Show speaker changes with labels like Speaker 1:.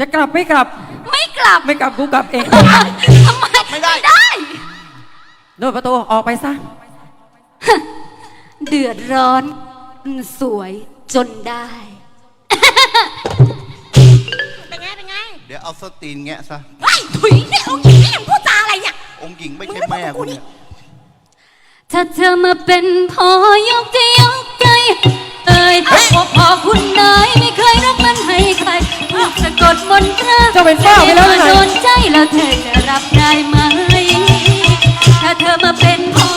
Speaker 1: จะกลับไม่กลับ
Speaker 2: ไม่กลับ
Speaker 1: ไม่กลับกูกลับเอง
Speaker 2: ทำไมไม่ได้
Speaker 1: โดนประตูออกไปซะ
Speaker 2: เดือดร้อนสวยจนได้
Speaker 3: เป็นไง
Speaker 4: เดี๋ยวเอาสตีนแงะซะ
Speaker 3: ไอ้ถุยเนี่ยองค์หญิงนี่ยังพูดจาอะไรเนี่ย
Speaker 4: องค์หญิงไม่ใช่แม่กูเนี่ย
Speaker 2: ถ้าเธอมาเป็นพ่อยกจะยกใจพอคุณนายไม่เคยรักมันให้ใครถูกสะกดมนตรา
Speaker 1: เจ้าเป็นฝ้าไปแล้วไง
Speaker 2: โดนใจแล้วเธอจะรับได้ไหมถ้าเธอมาเป็นพ่อ